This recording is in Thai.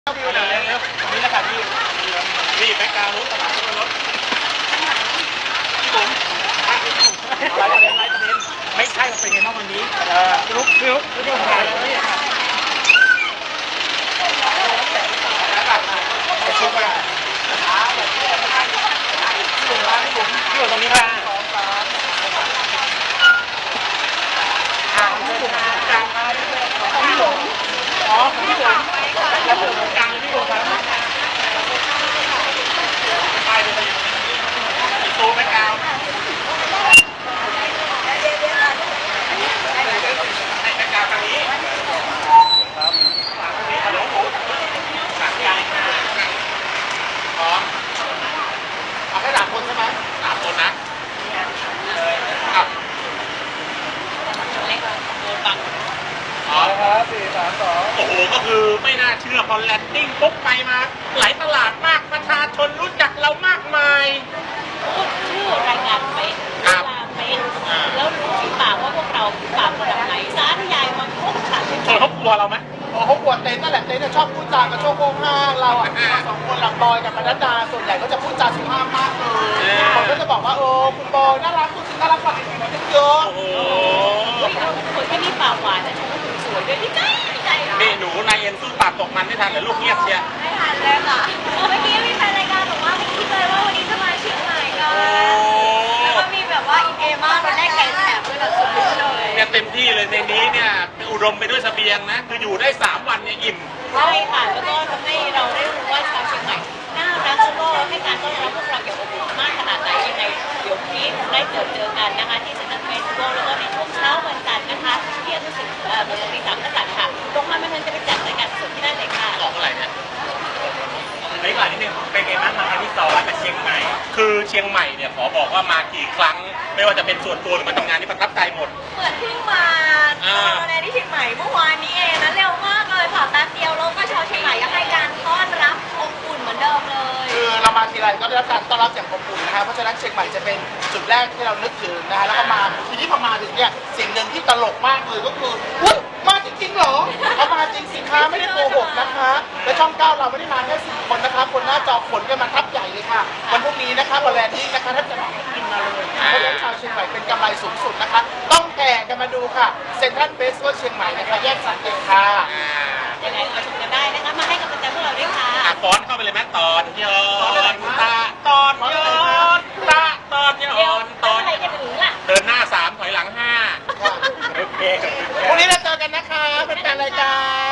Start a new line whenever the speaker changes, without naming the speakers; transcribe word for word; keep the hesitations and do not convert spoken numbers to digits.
วิวหน่อยเร็วตรงนี้นะครับพี่นี่แบ็คกราวด์รถกระบะรถพี่บุ๋มอะไรประเด็นอะไรประเด็นไม่ใช่มันเป็นไงบ้างวันนี้เออลุกลุกลุกถ่ายเลยชุดมาพี่บุ๋มพี่บุ๋มพี่บุ๋มตรงนี้ค่ะพี่บุ๋มกลางมาพี่บุ๋มอ๋อพี่บุ๋มแล้วผมกลางพี่บุ๋มครับไปเลยอีตูแม่กาวให้แม่กาวทางนี้ครับทางนี้ฮัลโหลผมสามยายพร้อมเอาแค่สามคนใช่ไหมสามคนนะอ่ะอ๋อครับสี่สามสองโอ้โหก็คือไม่น่าเชื่อพอแลนดิ้งปุ๊บไปมาหลายตลาดมากประชาชนรู้จักเรามากมาย
พูดชื่อรายงานเป๊ะเวลาเป๊ะแล้วรู้ที่ปากว่าพวกเราปากระดับไหนสาธยายมาพวกขาดไม่พอ
เขากลัวเราไหม
เขากลัวเต้นนั่นแหละเต้นชอบพูดจากับโชว์โกงห้างเราอ่ะสองคนหลังบอยกับมนัดดาส่วนใหญ่ก็จะพูดจาสุภาพมากเลยผมก็จะบอกว่าโอ้คุณบอยน่ารักคุณน่ารักกว่าไอ้คนนี้เยอะ
โอ้โหคนที่มีปากหวานแต่ฉันก็สวยด้วยที่ใจใจ
นี่หนูนายเอ็นสู้ปากตกมันไม่ทันเหรอลูกเงียบเชีย
ไม่ทันเลยค่ะเมื่อกี้มีแฟนรายการบอกว่าไม่คิดเลยว่าวันนี้จะมาเชียงใหม่กันแล้วก็มีแบบว่าอีเอมากตอนแรกไก่แถบเลยแบบสุดเลย
เนี่ยเต็มที่เลยในนี้เนี่ยอุดมไปด้วยเสบียงนะคืออยู่ได้สามวันเนี่ยอิ่ม
ใช่ค่ะแล้วก็ทำให้เราได้รู้ว่าชาวเชียงใหม่น่ารักแล้วก็ให้การต้อนรับพวกเราอย่างอบอุ่นมากขนาดไหนยังไงเดี๋ยวนี้ได้เจอเจอกันนะคะที่เซ็นทรัลเฟสติวัลแล้วก็ในช่วงเช้าวันจันทร์นะคะที่อนุสาวรีย์อนุสาวรีย์สามกษัตริย์ค่ะตรงนั้นมันจะไปจัดรายการสดที่นั่นเลยค่ะ
ออกอะไรเนี่ย
เฮ้ยก่อนนิดนึงเป็นไงบ้างมาครั้งที่สองมาเชียงใหม่
คือเชียงใหม่เนี่ยขอบอกว่ามากี่ครั้งไม่ว่าจะเป็นส่วนตัวหรือมาทำงานที่ประทับใจหมด
เหมือนเพิ่งมาเออในที่เชียงใหม่เมื่อวานนี้เองนะเร็วมากเลยค่ะแป๊บเดียวแล้วก็ชาวเชียงใหม่ก็ให้การต้อนรับอบอุ่นเหมือนเดิมเลย
คือเรามาทีไรก็ได้รับการต้อนรับอย่างอบอุ่นนะคะเพราะฉะนั้นเชียงใหม่จะเป็นจุดแรกที่เรานึกถึงนะคะแล้วก็มาทีนี้พอมาถึงเนี่ยสิ่งหนึ่งที่ตลกมากเลยก็คืออุ๊ยมาจริงๆเหรอเอามาจริงสิคะไม่ได้โกหกนะคะและช่องเก้าเราไม่ได้มาแค่สี่คนนะคะคนหน้าจอขนกันมาทับใหญ่เลยค่ะวันพรุ่งนี้นะคะบอลแลนด์นี้นะคะถ้าจะมากินมาเลยเพราะฉะนั้นชาวเชียงใหม่เป็นกำไรสูงสุดนะคะต้องแห่กันมาดูค่ะเซ็นทรัลเฟสติวัลเชียงใหม่นะคะแยกสันติค่ะ
ยังไงมาชมกันได้นะคะมาให้กำลังใจพวกเราด้วยค่ะ
อ่ะฟ้อนเข้าไปเลยแม่ตอนยอนตาตอนยอนตาตอนยอนตอน
อะไรจะถึงล่ะ
เดินหน้าสามถอยหลังห้า
โอเค
พรุ่งนี้เราเจอกันนะคะเป็นแฟนรายการ